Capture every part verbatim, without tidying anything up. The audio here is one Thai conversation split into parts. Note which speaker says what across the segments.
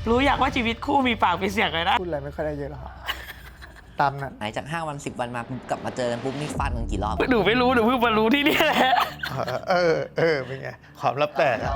Speaker 1: รู้อยากว่าชีวิตคู่มีปากมีเสียงเลยนะ
Speaker 2: พูดอะไรไม่ค่อยได้เยอะหรอกตามนั้น
Speaker 3: หายจากห้าวันสิบวันมากลับมาเจอกันปุ๊บนี่ฟาดกันกี่รอบ
Speaker 1: หนูไม่รู้หนูเพิ่งมารู้ที่นี่แหละ
Speaker 2: เออเออเป็นไงความลับแตกอะ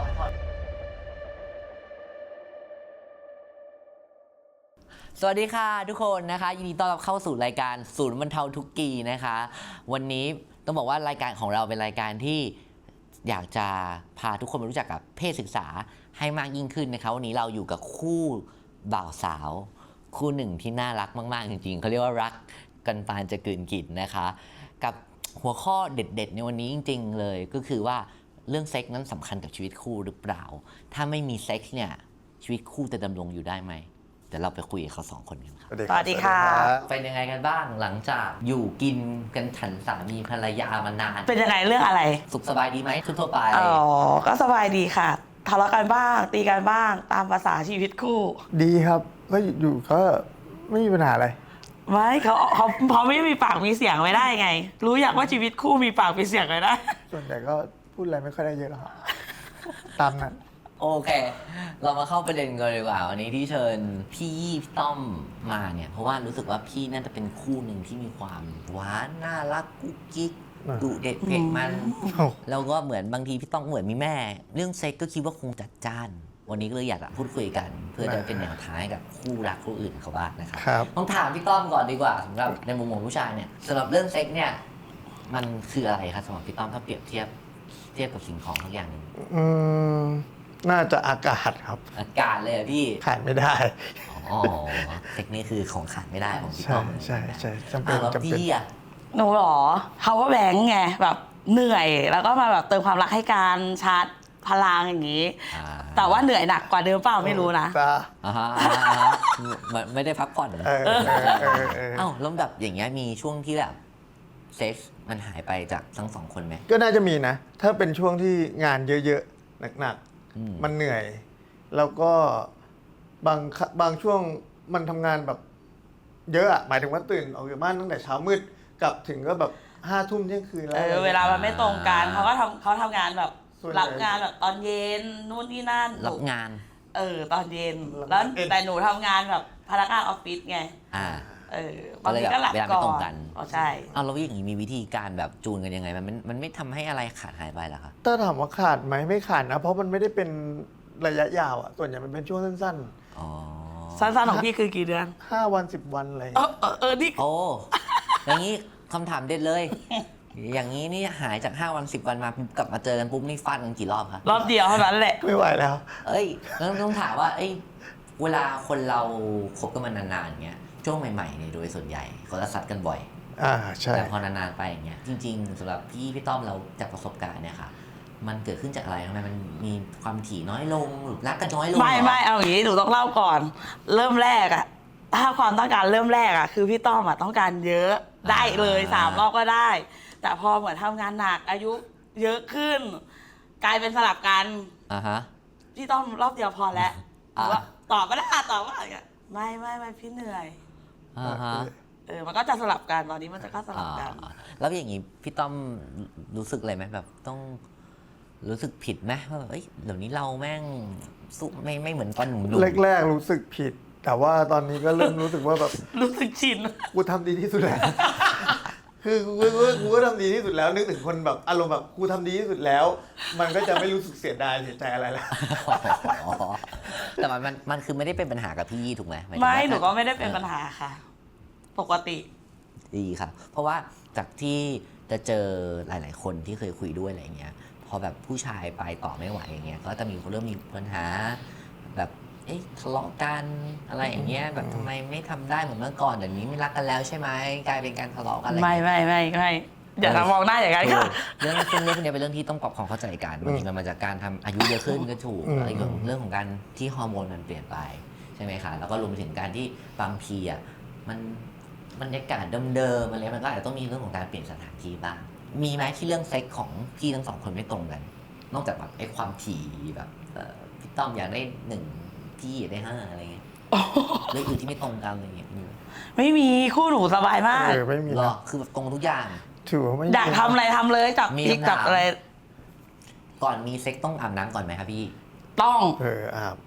Speaker 3: สวัสดีค่ะทุกคนนะคะยินดีต้อนรับเข้าสู่รายการศูนย์บรรเทาทุกข์กีนะคะวันนี้ต้องบอกว่ารายการของเราเป็นรายการที่อยากจะพาทุกคนมารู้จักกับเพศศึกษาให้มากยิ่งขึ้นนะคะวันนี้เราอยู่กับคู่บ่าวสาวคู่หนึ่งที่น่ารักมากๆจริงๆเขาเรียกว่ารักกันปานจะกลืนกินนะคะกับหัวข้อเด็ดๆในวันนี้จริงๆเลยก็คือว่าเรื่องเซ็กส์นั้นสำคัญกับชีวิตคู่หรือเปล่าถ้าไม่มีเซ็กส์เนี่ยชีวิตคู่จะดำรงอยู่ได้ไหมเดี๋ยวเราไปคุยกับเขาสองคนกันครับ
Speaker 1: สวัสดีค่ะ
Speaker 3: เป็นยังไงกันบ้างหลังจากอยู่กินกันฉันสามีภรรยามานาน
Speaker 1: เป็นยังไงเรื่องอะไร
Speaker 3: สุขสบายดีไหมทั่วไป
Speaker 1: อ๋อก็สบายดีค่ะทะเลาะกันบ้างตีกันบ้างตามภาษาชีวิตคู่
Speaker 2: ดีครับก็อยู่ก็ไม่มีปัญหาอะไร
Speaker 1: ไม่เขาเขาเขาไม่มีปากมีเสียงไม่ได้ไงรู้อยากว่าชีวิตคู่มีปากมีเสียงเลยนะ
Speaker 2: ส่วนใหญ่ก็พูดอะไรไม่ค่อยได้เยอะหรอกตามนั้น
Speaker 3: โอเคเรามาเข้าประเด็นกันดีกว่าวันนี้ที่เชิญพี่ยี่พี่ต้อมมาเนี่ยเพราะว่ารู้สึกว่าพี่น่าจะเป็นคู่หนึ่งที่มีความหวานน่ารักกุ๊กกิ๊กดุเด็ดเผ็ดมันแล้วก็เหมือนบางทีพี่ต้อมเหมือนมีแม่เรื่องเซ็กก็คิดว่าคงจัดจ้านวันนี้ก็เลยอยากจะพูดคุยกันเพื่อจะเป็นแนวทางให้กับคู่รักคู่อื่นเขาบ้างนะครับต้องถามพี่ต้อมก่อนดีกว่าสำหรับในมุมมองผู้ชายเนี่ยสำหรับเรื่องเซ็กเนี่ยมันคืออะไรครับสำหรับพี่ต้อมถ้าเปรียบเทียบเทียบกับสิ่งของทุกอย่างนึง
Speaker 2: อืมน่าจะอากาศครับ
Speaker 3: อากาศเลยพี่
Speaker 2: ขาดไม่ได้
Speaker 3: อ๋อเทคนิคคือของขาดไม่ได้ของพี่ต้อม
Speaker 2: ใช่ใช่จำเป็น
Speaker 3: จำเป็นพี่อะ
Speaker 1: หนูหรอ power bank ไงแบบเหนื่อยแล้วก็มาแบบเติมความรักให้การชาร์จพลังอย่างนี้แต่ว่าเหนื่อยหนักกว่าเดิมเปล่าไม่รู้นะ
Speaker 3: อ่าฮะไม่ได้พักผ่อนเอ้าแล้วแบบอย่างเงี้ยมีช่วงที่แบบเซ็กส์มันหายไปจากทั้งสองคนไหม
Speaker 2: ก็น่าจะมีนะถ้าเป็นช่วงที่งานเยอะๆหนักๆมันเหนื่อยแล้วก็บางบางช่วงมันทำงานแบบเยอะอะหมายถึงว่าตื่นออกจากบ้านตั้งแต่เช้ามืดกลับถึงก็แบบห้าทุ่มเที่ยงคืนแล้ว
Speaker 1: เวลามันไม่ตรงกันเขาก็ทำเขาทำงานแบบรับงานแบบตอนเย็นนู่นนี่นั่น
Speaker 3: รับงาน
Speaker 1: เออตอนเย็นแล้วแต่หนูทำงานแบบพนักงานออฟฟิศไง
Speaker 3: อ่า
Speaker 1: เออบางทีก็หลับก่อนเวลา
Speaker 3: ไม่ตรงกัน
Speaker 1: อ๋อใช่
Speaker 3: เอาแล้วอย่างนี้มีวิธีการแบบจูนกันยังไงมันมันไม่ทำให้อะไรขาดหายไปหรอคะ
Speaker 2: ถ้าถามว่าขาดไหมไม่ขาดนะเพราะมันไม่ได้เป็นระยะยาวอ่ะส่วนใหญ่มันเป็นช่วงสั้น
Speaker 3: ๆอ๋อ
Speaker 1: สั้นๆของพี่คือกี่เดือน
Speaker 2: ห้าวันสิบวันอะไร
Speaker 1: เออเออนี่
Speaker 3: โอ้อย่างนี้คำถามเด็ดเลยอย่างนี้นี่หายจากห้าวันสิบวันมากลับมาเจอกันปุ๊บนี่ฟาดกันกี่รอบครับ
Speaker 1: รอบเดียวเท่านั้นแหละ
Speaker 2: ไม่ไหวแล้ว
Speaker 3: เอ้ยแล้วต้องถามว่าเอ้ยเวลาคนเราคบกันมานานๆเงี้ยช่วงใหม่ๆเนี่ยโดยส่วนใหญ่เขาจะซัดกันบ่อย
Speaker 2: อ่าใช่
Speaker 3: แต่พอนานๆไปอย่างเงี้ยจริงๆสำหรับพี่พี่ต้อมเราจากประสบการณ์เนี่ยค่ะมันเกิดขึ้นจากอะไรทำไมมันมีความถี่น้อยลงหรือรักกันน้อยลง
Speaker 1: ไม่ไม่เอาอย่างนี้หนูต้องเล่าก่อนเริ่มแรกอะถ้าความต้องการเริ่มแรกอะคือพี่ต้อมอะต้องการเยอะได้เลยสามรอบก็ได้แต่พอเหมือนทำงานหนักอายุเยอะขึ้นกลายเป็นสลับกัน
Speaker 3: อ่าฮะ
Speaker 1: พี่ต้อมรอบเดียวพอแล้วว่าตอบไม่ได้ตอบว่าอะไรไม่ไม่ไม่พี่เหนื่อย
Speaker 3: อ่าฮะ
Speaker 1: เออมันก็จะสลับกันตอนนี้มันจะก็สลับกัน
Speaker 3: แล้วอย่างนี้พี่ต้อมรู้สึกอะไรไหมแบบต้องรู้สึกผิดไหมว่าแบบเอ้ยเดี๋ยวนี้เราแม่งสุไม่ไม่เหมือนตอนหนุ่ม
Speaker 2: ๆแรกๆรู้สึกผิดแต่ว่าตอนนี้ก็เริ่มรู้สึกว่าแบบ
Speaker 1: รู้สึกชิน
Speaker 2: กูทำดีที่สุดแล้วคือกูกูก็ทำดีที่สุดแล้วนึกถึงคนแบบอารมณ์แบบกูทำดีที่สุดแล้วมันก็จะไม่รู้สึกเสียดายเสียใจอะไรแล้ว
Speaker 3: แต่มันมันมันคือไม่ได้เป็นปัญหากับพี่ยี่ถูกไหม
Speaker 1: ไม่หนูก็ไม่ได้เป็นปัญหาค่ะปกติ
Speaker 3: ดีค่ะเพราะว่าจากที่จะเจอหลายๆคนที่เคยคุยด้วยอะไรเงี้ยพอแบบผู้ชายไปต่อไม่ไหวอย่างเงี้ยก็จะมีคนเริ่มมีปัญหาแบบเอ๊ะทะเลาะกันอะไรอย่างเงี้ยแบบทำไมไม่ทำได้เหมือนเมื่อก่อนเดี๋ยวนี้ไม่รักกันแล้วใช่ไหมกลายเป็นการทะเลาะกันอะไร
Speaker 1: ไม่ไม่ไม่ไม่อย่าทำมองหน้าอย่างนั้นค่ะ
Speaker 3: เรื่องเรื่องเรื่องนี้เป็นเรื่องที่ต้องปรับความเข้าใจกันบางทีมันมาจากการทำอายุเยอะขึ้นก็ถูกอะไรอย่างเรื่องของการที่ฮอร์โมนมันเปลี่ยนไปใช่ไหมคะแล้วก็รวมไปถึงการที่บางทีอ่ะมันบรรยากาศเดิมๆอะไรมันก็อาจจะต้องมีเรื่องของการเปลี่ยนสถานที่บ้างมีไหมที่เรื่องเซ็กของพี่ทั้งสองคนไม่ตรงกันนอกจากแบบไอ้ความถี่แบบพี่ต้อมอยากได้หนึ่งพี่อยากได้ห้าอะไรเงี้ยเรื่องอื่นที่ไม่ตรงกันอะไรเงี้ย
Speaker 1: ไม่มีคู่หนูสบายมาก
Speaker 2: ไม่มี
Speaker 3: หรอคือแบบตรงทุกอย่าง
Speaker 2: ถือว่าไม่
Speaker 1: อยากทำอะไรทำเลยจับพิกจับอะไร
Speaker 3: ก่อนมีเซ็กต้องอาบน้ำก่อนไหมครับพี่
Speaker 1: ต้อง
Speaker 2: เอออาบอาบ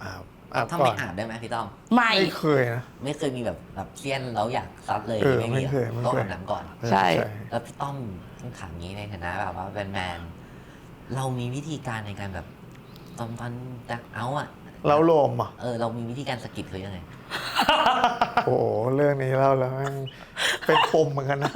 Speaker 2: อาบ
Speaker 3: ถ้า
Speaker 2: ก่
Speaker 3: ไม่
Speaker 2: อน
Speaker 3: อาบได้ไหมพี่ต้อม
Speaker 1: ไม่
Speaker 2: ไม่เคยนะ
Speaker 3: ไม่เคยมีแบบแบบเซียนแล้วอยากซัดเลย
Speaker 2: เออ
Speaker 3: ไม่มี
Speaker 2: ไม่เคยไม่เคย
Speaker 3: ต้องอาบน้ำก่อน
Speaker 1: ใช่
Speaker 3: แล้วพี่ต้อมต้องถามงี้ในฐานะแบบว่าเป็นแมนเรามีวิธีการในการแบบตอนตอนจะเอาอะ
Speaker 2: เราโลมอ่ะ
Speaker 3: เออเรามีวิธีการสะกิดเขายังไง
Speaker 2: โอ้โหเรื่องนี้เล่าแล้วแม่งเป็นปมเหมือนกันนะ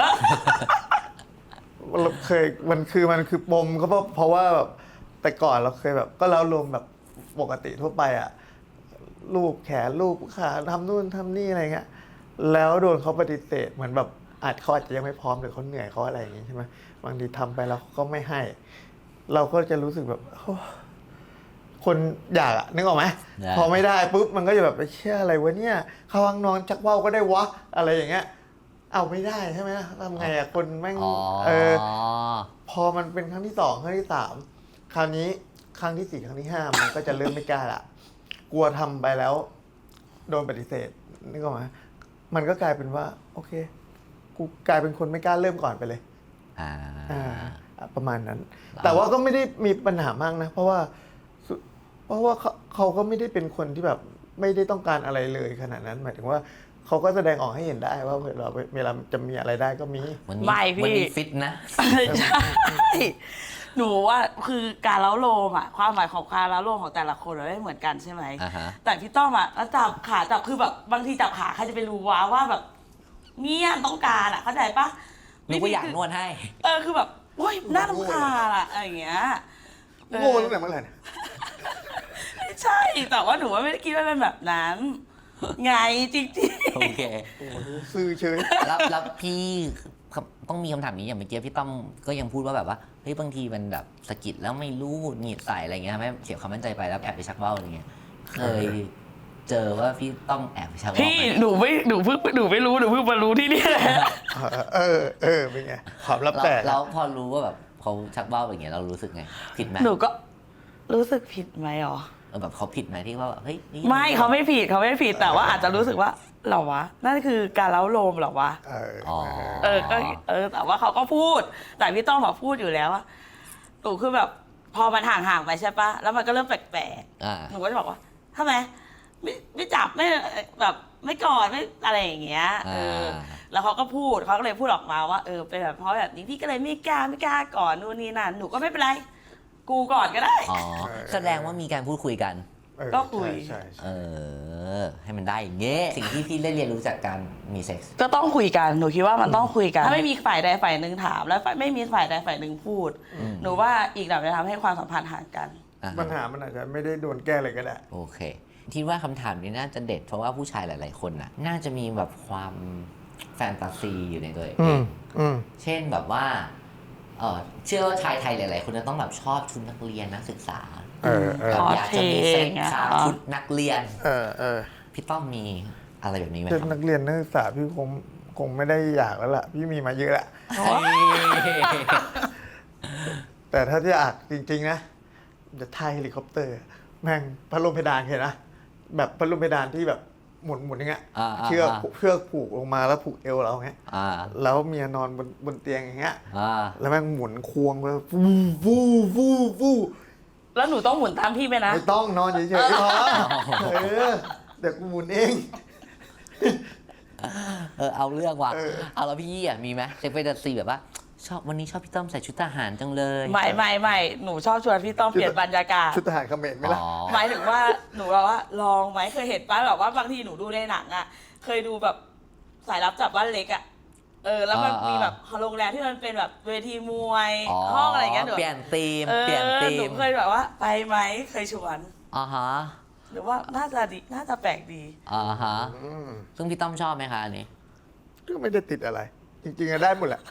Speaker 2: เราเคยมันคือมันคือปมก็เพราะเพราะว่าแบบแต่ก่อนเราเคยแบบ ก็เล่าลมแบบปกติทั่วไปอ่ะลูบแขนลูบขาทำนู่นทำนี่อะไรเงี้ยแล้วโดนเขาปฏิเสธเหมือนแบบอาจเขาอาจจะยังไม่พร้อมหรือเขาเหนื่อยเขาอะไรอย่างงี้ใช่ไหมบางทีทำไปแล้วเขาก็ไม่ให้ เราก็จะรู้สึกแบบโอ้คนอยากอะนึกออกไหม
Speaker 3: ได้
Speaker 2: พอไม่ได้ปุ๊บมันก็จะแบบไปเชื่ออะไรวะเนี่ยเข้าห้องนอนชักว่าวก็ได้วะอะไรอย่างเงี้ย เอาไม่ได้ใช่ไหมทำไงอะคนแม่ง
Speaker 3: อ๋อ
Speaker 2: เออ พอมันเป็นครั้งที่สองครั้งที่สามคราวนี้ครั้งที่สี่ครั้งที่ห้ามันก็จะเริ่มไม่กล้าละกลัวทำไปแล้ว โดนปฏิเสธนึกออกไหมมันก็กลายเป็นว่า โอเค กูกลายเป็นคนไม่กล้าเริ่มก่อนไปเลย
Speaker 3: อ่า
Speaker 2: อ่า ประมาณนั้น แต่ว่าก็ไม่ได้มีปัญหามากนะ เพราะว่าสุเพราะว่าเขาเขาก็ไม่ได้เป็นคนที่แบบไม่ได้ต้องการอะไรเลยขนาดนั้น หมายถึงว่าเขาก็แสดงออกให้เห็นได้ว่าเวลาเวลาจะมีอะไรได้ก็มี
Speaker 3: วันนี้
Speaker 1: ไม่พี่
Speaker 3: วันนี้ฟิตนะ
Speaker 1: ใช่หนูว่าคือการเล้าโลมอ่ะความหมายของการเล้าโลมของแต่ละคนมันไม่เหมือนกันใช่ไหม
Speaker 3: อ่าฮะ
Speaker 1: แต่พี่ต้อมอ่ะแล้วจับขาจับคือแบบบางทีจับขาใครจะไปรู้ว่าว่าแบบเนี่ยต้องการอ่ะเข้าใจปะ
Speaker 3: นึกว่าอยากนวดให้
Speaker 1: เออคือแบบโอ้ยน่าต้องการอ่ะอะไรอย่างเงี้ยเออ
Speaker 2: โง่ตั้งแต่เมื่อไหร่เนี่ย
Speaker 1: ไม่ใช่แต่ว่าหนูว่าไม่ได้คิดว่าเป็นแบบนั้น ไงจริง
Speaker 3: โอเค
Speaker 2: โอ้โหซื้อเฉย
Speaker 3: แล้วแล้วพี่ต้องมีคำถามนี้อย่างเมื่อกี้พี่ต้อมก็ยังพูดว่าแบบว่าเฮ้ยบางทีมันแบบสะกิดแล้วไม่รู้หงุดหงิดใส่อะไรเงี้ยทำให้เสียความมั่นใจไปแล้วแอบไปชักว่าวอะไรเงี้ยเคยเจอว่าพี่ต้องแอบไปชัก
Speaker 1: ๆ
Speaker 3: ว่าว
Speaker 1: พี่
Speaker 3: ไหม
Speaker 1: หนูไม่หนูเพิ่งหนูไม่รู้หนูเพิ่งมารู้ที่นี่แหละ
Speaker 2: เออ เออ เป็นไงความลับ
Speaker 3: แล้ว
Speaker 2: แต่
Speaker 3: แล้วพอรู้ว่าแบบเขาชักว่าวอย่างเงี้ยเรารู้สึกไงผิดไหม
Speaker 1: หนูก็รู้สึกผิดไหมอ๋อ
Speaker 3: เออแบบเขาผิดไหมที่ว่าแบบเฮ้ยนี่
Speaker 1: ไม่เขาไม่ผิดเขาไม่ผิดแต่ว่าอาจจะรู้สึกว่าเหรอวะนั่นคือการเล้าโลมเหรอวะ
Speaker 2: เออ
Speaker 3: อ๋อ
Speaker 1: เออก็เออแต่ว่าเขาก็พูด แต่พี่ต้องมาพูดอยู่แล้วว่าหนูคือแบบพอมันห่างๆไปใช่ปะแล้วมันก็เริ่มแปลก
Speaker 3: อ่า
Speaker 1: ๆหนูก็จะบอกว่าทำไมไม่ไม่จับไม่แบบไม่กอดไม่อะไรอย่างเงี้ยเออ
Speaker 3: อ่า
Speaker 1: แล้วเขาก็พูดเขาก็เลยพูดออกมาว่าเออเป็นแบบเพราะแบบนี้พี่ก็เลยไม่กล้าไม่กล้าก่อนนู่นนี่นั่นหนูก็ไม่เป็นไร กูก่อนก็ได้
Speaker 3: อ๋อแสดงว่ามีการพูดคุยกัน
Speaker 2: เออ
Speaker 1: ก็คุย
Speaker 2: ใช่ใช่
Speaker 3: เอ
Speaker 2: ใช่
Speaker 3: อ ให้มันได้อย่างเงี้ยสิ่งที่พี่ได้เรียนรู้จากการมีเซ็กส์
Speaker 1: ก็ต้องคุยกัน หนูคิดว่ามันต้องคุยกัน ถ้าไม่มีฝ่ายใดฝ่ายหนึ่งถาม แล้วไม่มีฝ่ายใดฝ่ายหนึ่งพูด หนูว่าอีกแบบจะทำให้ความสัมพันธ์ห่างกัน
Speaker 3: อ่าฮะ
Speaker 2: ปัญหามันอาจจะไม่ได้โดนแก้เลยก็ได้
Speaker 3: โอเคคิดว่าคำถามนี้น่าจะเด็ด เพราะว่าผู้ชายหลาย ๆ คนน่ะ น่าจะมีแบบความแฟนตาซีอยู่ในตัวเอ
Speaker 2: อื
Speaker 3: ง
Speaker 2: ม อืม
Speaker 3: เช่นแบบว่าเออเชื่อว่าชายไทยหลาย ๆ คนจะต้องแบบชอบชุดนักเรียนนักศึกษา
Speaker 2: เออเออ
Speaker 3: แบบอยากจะมีเซ็ก
Speaker 1: คอสเพลย์
Speaker 3: ครับ
Speaker 1: อ่ะ
Speaker 3: ชุดนักเรียน
Speaker 2: เออ เออ
Speaker 3: พี่ต้อมมีอะไรแบบนี้ไหมค
Speaker 2: เด็ก
Speaker 3: รับ
Speaker 2: นักเรียนนักศึกษาพี่คงคงไม่ได้อยากแล้วล่ะ พี่มีมาเยอะละ
Speaker 3: เฮ้ย
Speaker 2: แต่ถ้าที่อยากจริง ๆ นะ จะไทยเฮลิคอปเตอร์ แม่งพัดลมเพดานเห็นนะ แบบพัดลมเพดานที่แบบหมุนหมุนอย่างเงี้ย
Speaker 3: อ่าๆๆ
Speaker 2: เชือกเชือกผูกลงมาแล้วผูกเอวเราอย่างเงี้ย
Speaker 3: อ่า
Speaker 2: แล้วเมียนอนบนบนเตียงอย่างเงี้ย
Speaker 3: อ่า
Speaker 2: แล้วแม่งหมุนควงไปฟูฟูฟูฟู
Speaker 1: แล้วหนูต้องหมุนตามพี่ไหมนะ
Speaker 2: ไม่ต้องนอนเฉยๆพอเออเดี๋ยวกูหมุนเอง
Speaker 3: เออเอาเรื่องว่ะ
Speaker 2: เออ
Speaker 3: เอาแล้วพี่ยี่อ่ะมีไหมเซ็กเฟนตาซีแบบว่า ชอบวันนี้ชอบพี่ต้อมใส่ชุดทหารจังเลย
Speaker 1: ไม่ไม่ไม่หนูชอบชวนพี่ต้องเปลี่ยนบรรยากาศ
Speaker 2: ชุดทหารเขมรไหมล่ะ
Speaker 3: อ๋อ
Speaker 1: หมายถึงว่าหนูแบบว่าลองไหมเคยเห็นป้ะแบบว่าบางทีหนูดูในหนังอ่ะ เคยดูแบบสายลับจับบ้านเล็กอ่ะ เออ แล้วมัน
Speaker 3: อ่ามี
Speaker 1: มีแบบโรงแรมที่มันเป็นแบบเวทีมวยห้องอะไรอย่างเงี้ยหนู
Speaker 3: เปลี่ยนธีม
Speaker 1: เออ
Speaker 3: เปลี่ยนธี
Speaker 1: หนู
Speaker 3: ม
Speaker 1: เคยแบบว่าไปไหมเคยชวน
Speaker 3: อ่าฮะ
Speaker 1: หรือว่าน่าจะดีน่าจะแปลกดี
Speaker 3: อ่าฮะ
Speaker 2: อืม
Speaker 3: ซึ่งพี่ต้อมชอบไหมคะอันนี้
Speaker 2: ก็ไม่ได้ติดอะไร จริงๆอะได้หมดแหละ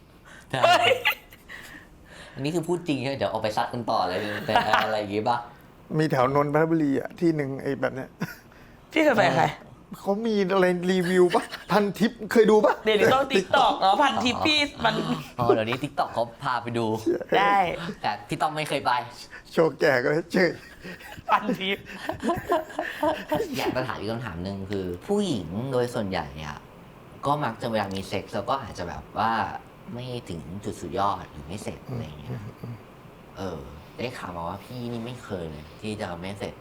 Speaker 3: อันนี้คือพูดจริงใช่ไหมเดี๋ยวเอาไปซัดกันต่อเลยแต่อะไรอย่างงี้ป่ะ
Speaker 2: มีแถวนนทบุรีอ่ะที่หนึ่งไอ้แบบเนี้ย
Speaker 1: พี่เคยไปกับใคร
Speaker 2: เขามีอะไรรีวิวปะพันทิปเคยดูปะ
Speaker 1: เดี๋ยวนี้ต้องติ๊กตอกเนาะพันทิปพี่มัน
Speaker 3: อ๋อเดี๋ยวนี้ทิกตอกเขาพาไปดู
Speaker 1: ได้
Speaker 3: แต่พี่ต้อมไม่เคยไป
Speaker 2: โชว์แก่ก็เฉย
Speaker 1: พันทิป
Speaker 3: อยากจะถามอีกคำถามหนึ่งคือ ผู้หญิงโดยส่วนใหญ่อะก็มักจะเวลามีเซ็กซ์แล้วก็อาจจะแบบว่าไม่ถึงจุดสุดยอดหรือไม่เสร็จอะไรอย่างเงี้ยเออ ได้ข่าวมาว่าพี่นี่ไม่เคยเลยที่จะไม่เสร็จ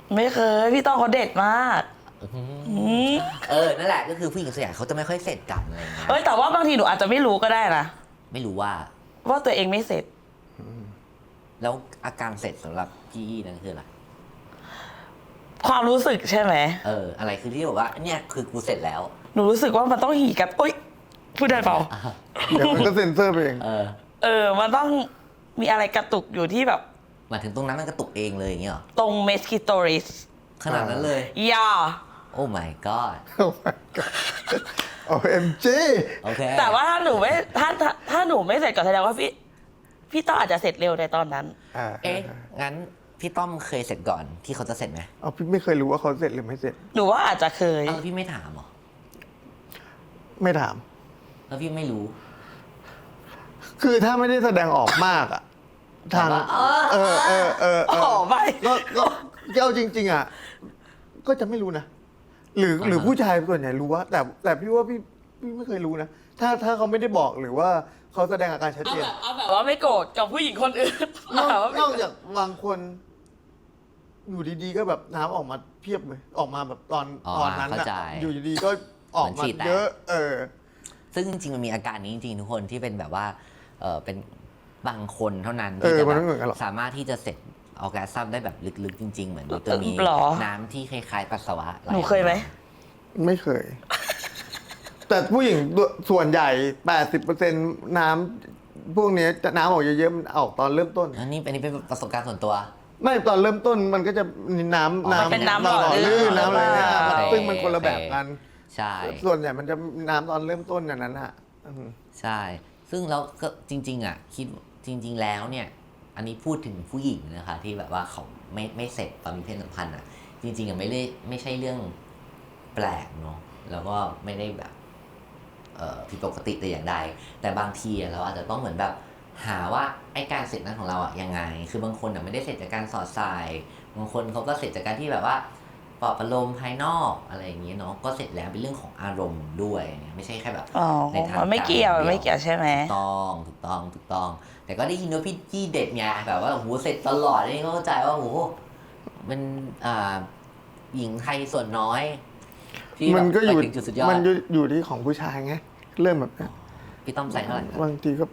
Speaker 1: ไม่เคยพี่ต้องเขาเด็ดมากอืม
Speaker 3: เออนั่นแหละก็คือผู้หญิงส่วนใหญ่เขาจะไม่ค่อยเสร็จกันอะไรอย่างเงี้ย
Speaker 1: เฮ้ยแต่ว่าบางทีหนูอาจจะไม่รู้ก็ได้นะ
Speaker 3: ไม่รู้ว่า
Speaker 1: ว่าตัวเองไม่เสร็จ
Speaker 3: แล้วอาการเสร็จสำหรับพี่นั่นคืออะไร
Speaker 1: ความรู้สึกใช่ไหม
Speaker 3: เอออะไรคือที่บอกว่าเนี่ยคือกูเสร็จแล้ว
Speaker 1: หนูรู้สึกว่ามันต้องหี่กับอุ้ยพูดได้เปล่า
Speaker 2: เดี๋ยวมันก็เซ็นเซอร์ไปเอง
Speaker 3: เออ
Speaker 1: เออ มันต้องมีอะไรกระตุกอยู่ที่แบบ
Speaker 3: หมายถึงตรงนั้นมันกระตุกเองเลยอย่างเงี้ยเหรอ
Speaker 1: ตรงเมสคิโตริส
Speaker 3: ขนาดนั้นเลย
Speaker 1: ยา
Speaker 3: โอ้ my god
Speaker 2: โอ้ my god โอ้ เอ็ม จี
Speaker 3: โอเค
Speaker 1: แต่ว่าถ้าหนูไม่ถ้าถ้าถ้าหนูไม่เสร็จก็แสดงว่าพี่พี่ต้องอาจจะเสร็จเร็วในตอนนั้น
Speaker 2: อ่า
Speaker 3: เอ๊ะงั้นพี่ต้อมเคยเสร็จก่อนที่เขาจะเสร็จไหม
Speaker 2: เอาพี่ไม่เคยรู้ว่าเขาเสร็จหรือไม่เสร็จ
Speaker 1: หนูว่าอาจจะเคย
Speaker 3: เอ้าพี่ไม่ถามเหรอ
Speaker 2: ไม่ถาม
Speaker 3: แล้วพี่ไม่รู้
Speaker 2: คือถ้าไม่ได้แสดงออกมากอะทาง
Speaker 3: แบบว่า
Speaker 2: เออเออเออเอ
Speaker 1: อ๋อ
Speaker 2: อ
Speaker 1: ไม่
Speaker 2: ก็ก็ก็เอาจริง ๆอะก็จะไม่รู้นะ หรือหรือผู้ชายส่วนใหญ่รู้ว่า แต่แต่พี่ว่าพี่พี่ไม่เคยรู้นะ ถ้าถ้าเขาไม่ได้บอกหรือว่าเขาแสดงอาการชัด
Speaker 1: เอา
Speaker 2: เจน
Speaker 1: แบบเอาแบบว่าไม่โกรธกับผู้หญิงคนอื่น
Speaker 2: นอก
Speaker 1: เอาแบบ
Speaker 2: นอกจากบางคน อยู่ดีๆก็แบบน้ำออกมาเพียบเลย ออกมาแบบตอน
Speaker 3: อ๋อ
Speaker 2: ตอนนั้น
Speaker 3: เข้า
Speaker 2: อะ
Speaker 3: ใจ
Speaker 2: อยู่ดีๆก็ออก
Speaker 3: เหมื
Speaker 2: มา
Speaker 3: อนฉีดแตก
Speaker 2: เยอะ เออ
Speaker 3: ซึ่งจริงๆมันมีอาการนี้จริงๆทุกคนที่เป็นแบบว่าเออเป็นบางคนเท่านั้น
Speaker 2: เอ
Speaker 3: ที่
Speaker 2: อ
Speaker 3: จะ
Speaker 2: มัน
Speaker 3: แบ
Speaker 2: ไม่เหมือนกันหร
Speaker 3: บอก
Speaker 2: ส
Speaker 3: สามารถที่จะเสร็จออร์แกซัมได้แบบลึกๆจริง ๆ เหมือนตัวมี
Speaker 1: หรอ
Speaker 3: น้ำที่คล้ายๆปัสสาวะไหล
Speaker 1: หนูเคยไหม
Speaker 2: ไม่เคย แต่ผู้หญิงส่วนใหญ่ แปดสิบเปอร์เซ็นต์ น้ำพวกนี้จะน้ำออกเยอะๆมันออกตอนเริ่มต้น
Speaker 3: อันนี้อันนี้เป็นประสบการณ์ส่วนตัว
Speaker 2: ไม่ตอนเริ่มต้นมันก็จะมีน้ำ
Speaker 3: อ๋อมัน
Speaker 2: น้ำ
Speaker 1: เป็นน้ำหล่อ
Speaker 2: ลื่น
Speaker 1: ลื่น
Speaker 2: น้ำอะไรเนี่ย
Speaker 1: หรือเปล่า
Speaker 2: ซึ่งมันคนละแบบกัน
Speaker 3: ใช่
Speaker 2: ส่วนใหญ่มันจะน้ำตอนเริ่มต้นอย่างนั้นอ่ะอืม
Speaker 3: ใช่ ซึ่งเราก็จริง ๆ อ่ะ คิดจริง ๆ แล้วเนี่ย อันนี้พูดถึงผู้หญิงนะคะ ที่แบบว่าเขาไม่ไม่เสร็จตอนมีเพศสัมพันธ์อ่ะ จริง ๆอ่ะไม่ได้ไม่ใช่เรื่องแปลกเนาะแล้วก็ไม่ได้แบบเอ่อผิดปกติแต่อย่างใด แต่บางทีอ่ะเราอาจจะต้องเหมือนแบบหาว่าไอ้การเสร็จนั้นของเราอ่ะยังไง คือบางคนอ่ะไม่ได้เสร็จจากการสอดใส่บางคนเขาก็เสร็จจากการที่แบบว่าปลอบประโลมภายนอกอะไรอย่างเงี้ยเนาะก็เสร็จแล้วเป็นเรื่องของอารมณ์ด้วยเนี่ยไม่ใช่แค่แบบ
Speaker 1: อ๋อ
Speaker 3: ในทาง
Speaker 1: มันไม่เกี่ยว
Speaker 3: การ
Speaker 1: ไม่เกี่ยวใช่ไหม
Speaker 3: ถูกต้องถูกต้องถูกต้อง แต่ก็ได้ยินว่าพี่จี้เด็ดไงแบบว่าโอ้โหเสร็จตลอดนี่ก็เข้าใจว่าโอ้โหเป็นอ่าหญิงไทยส่วนน้อยที่
Speaker 2: มันก็อยู่
Speaker 3: ไปถึงจุดสุดยอด
Speaker 2: มันอยู่อยู่ที่ของผู้ชายไง เริ่มแบบเนี้ย
Speaker 3: พี่ต้อมใส่เท่าไหร่
Speaker 2: บางทีก็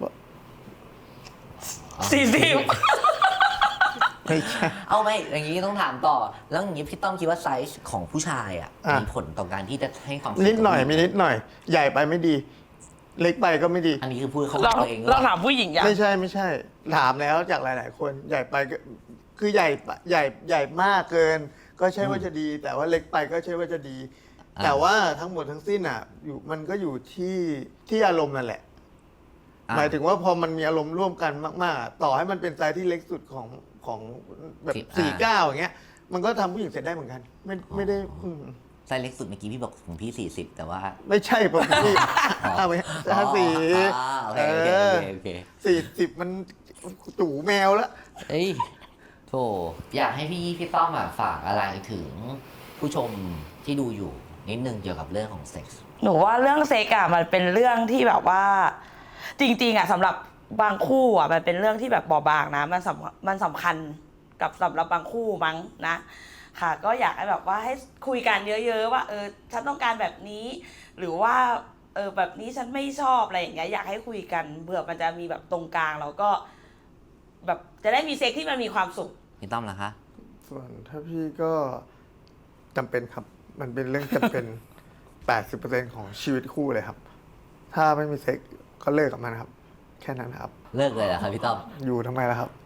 Speaker 1: สี่สิบ
Speaker 2: ไม่ใช่
Speaker 3: เอาไหมอย่างนี้ต้องถามต่อ แล้วอย่างนี้พี่ต้อมคิดว่าไซส์ของผู้ชายอ่ะ
Speaker 2: อ่ะ
Speaker 3: มีผลต่อการที่จะให้ความสุข
Speaker 2: นิดหน่อย
Speaker 3: กับผู้
Speaker 2: มี
Speaker 3: ญิง
Speaker 2: นิดหน่อย ใหญ่ไปไม่ดี เล็กไปก็ไม่ดี
Speaker 3: อันนี้คือพูดเขา
Speaker 1: เรา
Speaker 3: ตัวเองหรือ
Speaker 1: เรา
Speaker 3: เปล่า
Speaker 1: ถามผู้หญิงอย่าง
Speaker 2: ไม่ใช่ไม่ใช่ ถามแล้วจากหลาย ๆ คนใหญ่ไปก็คือใหญ่ปะใหญ่ใหญ่มากเกิน ก็ใช่ว่าจะดี แต่ว่าเล็กไปก็ใช่ว่าจะดี แต่ว่าทั้งหมดทั้งสิ้นอ่ะ อยู่มันก็อยู่ที่ที่อารมณ์นั่นแหละ
Speaker 3: อ่ะ
Speaker 2: หมายถึงว่าพอมันมีอารมณ์ร่วมกันมากๆอ่ะต่อให้มันเป็นไซส์ที่เล็กสุดของของแบบ
Speaker 3: สิบ
Speaker 2: สี่
Speaker 3: อ่า
Speaker 2: เก้าอย่างเงี้ย มันก็ทำผู้หญิงเสร็จได้เหมือนกัน ไม่ไม่ได้อืม
Speaker 3: ไซส์เล็กสุดเมื่อกี้พี่บอกของพี่สี่สิบแต่ว่า
Speaker 2: ไม่ใช่ปกติห้าไปห้าสี่
Speaker 3: อ๋อโอเคโอเคโอเคโอเค
Speaker 2: สี่สิบมันจู่แมวแล้ว
Speaker 3: เอ้ยโถอยากให้พี่พี่ต้อมอะฝากอะไรถึงผู้ชมที่ดูอยู่นิดนึงเกี่ยวกับเรื่องของเซ็กส์
Speaker 1: หนูว่าเรื่องเซ็กอะมันเป็นเรื่องที่แบบว่า จริงๆอะสำหรับบางคู่อะมันเป็นเรื่องที่แบบบอบบางนะมันสำมันสำคัญกับสำหรับบางคู่มั้งนะ ค่ะ ก็อยากให้แบบว่าให้คุยกันเยอะ ๆ ว่า เออฉันต้องการแบบนี้ หรือว่าเออแบบนี้ฉันไม่ชอบอะไรอย่างเงี้ยอยากให้คุยกันเผื่อมันจะมีแบบตรงกลางแล้วก็ แบบจะได้มีเซ็กที่มันมีความสุข
Speaker 3: พี่ต้อมล่ะคะ
Speaker 2: ส่วนถ้าพี่ก็จำเป็นครับ มันเป็นเรื่องจำเป็น แปดสิบเปอร์เซ็นต์ ของชีวิตคู่เลยครับ ถ้าไม่มีเซ็กก็เลิกกับมันครับ แค่นั้นครับ
Speaker 3: เลิกเลยเหรอครับพี่ต้อม
Speaker 2: อยู่ทำไมล่ะครับ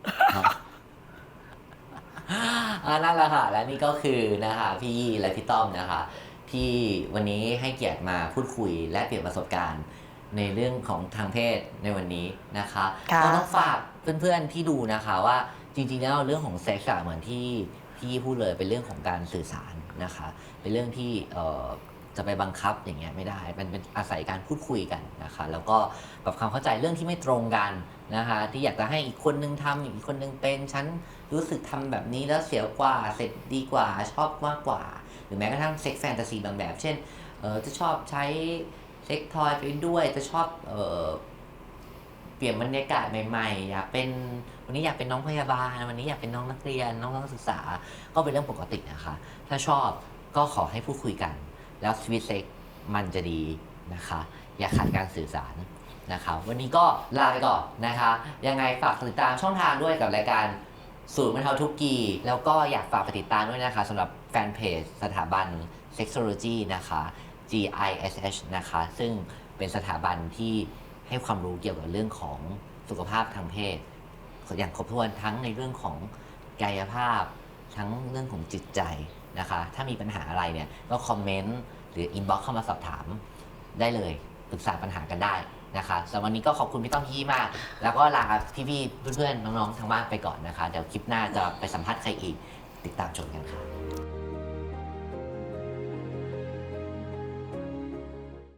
Speaker 3: อ่านั่นแหละค่ะและนี่ก็คือนะคะพี่ยี่และพี่ต้อมนะคะที่วันนี้ให้เกียรติมาพูดคุยและเปลี่ยนประสบการณ์ในเรื่องของทางเพศในวันนี้นะคะ
Speaker 1: ค่ะ
Speaker 3: ก็ต้องฝากเพื่อนๆที่ดูนะคะว่าจริงๆแล้วเรื่องของเซ็กซ์อะเหมือนที่พี่พูดเลยเป็นเรื่องของการสื่อสารนะคะเป็นเรื่องที่เอ่อจะไปบังคับอย่างเงี้ยไม่ได้มันเป็นอาศัยการพูดคุยกันนะคะแล้วก็ปรับความเข้าใจเรื่องที่ไม่ตรงกันนะคะที่อยากจะให้อีกคนนึงทำอีกคนนึงเป็นฉันรู้สึกทำแบบนี้แล้วเสียกว่าเสร็จดีกว่าชอบมากกว่า หรือแม้กระทั่งเซ็กแฟนตาซีบางแบบ เช่นเออจะชอบใช้เซ็กทอยไปด้วยจะชอบเออเปลี่ยนบรรยากาศใหม่ๆอยากเป็นวันนี้อยากเป็นน้องพยาบาลวันนี้อยากเป็นน้องนักเรียนน้องนักศึกษาก็เป็นเรื่องปกตินะคะถ้าชอบก็ขอให้พูดคุยกันแล้วชีวิตเซ็กมันจะดีนะคะอย่าขาดการสื่อสารนะคะวันนี้ก็ลาไปก่อนนะคะยังไงฝากติดตามช่องทางด้วยกับรายการศูนย์บรรเทาทุกข์กีแล้วก็อยากฝากไปติดตามด้วยนะคะสำหรับแฟนเพจสถาบัน Sexology นะคะ จี ไอ เอส เอช นะคะซึ่งเป็นสถาบันที่ให้ความรู้เกี่ยวกับเรื่องของสุขภาพทางเพศอย่างครบถ้วนทั้งในเรื่องของกายภาพทั้งเรื่องของจิตใจนะคะถ้ามีปัญหาอะไรเนี่ยก็คอมเมนต์หรืออินบ็อกซ์เข้ามาสอบถามได้เลยปรึกษาปัญหากันได้นะคะสำหรับวันนี้ก็ขอบคุณพี่ต้อมพี่มาก แล้วก็ลาพี่ๆเพื่อนๆน้องๆทางบ้านไปก่อนนะคะเดี๋ยวคลิปหน้าจะไปสัมภาษณ์ใครอีกติดตามชมกันค่ะ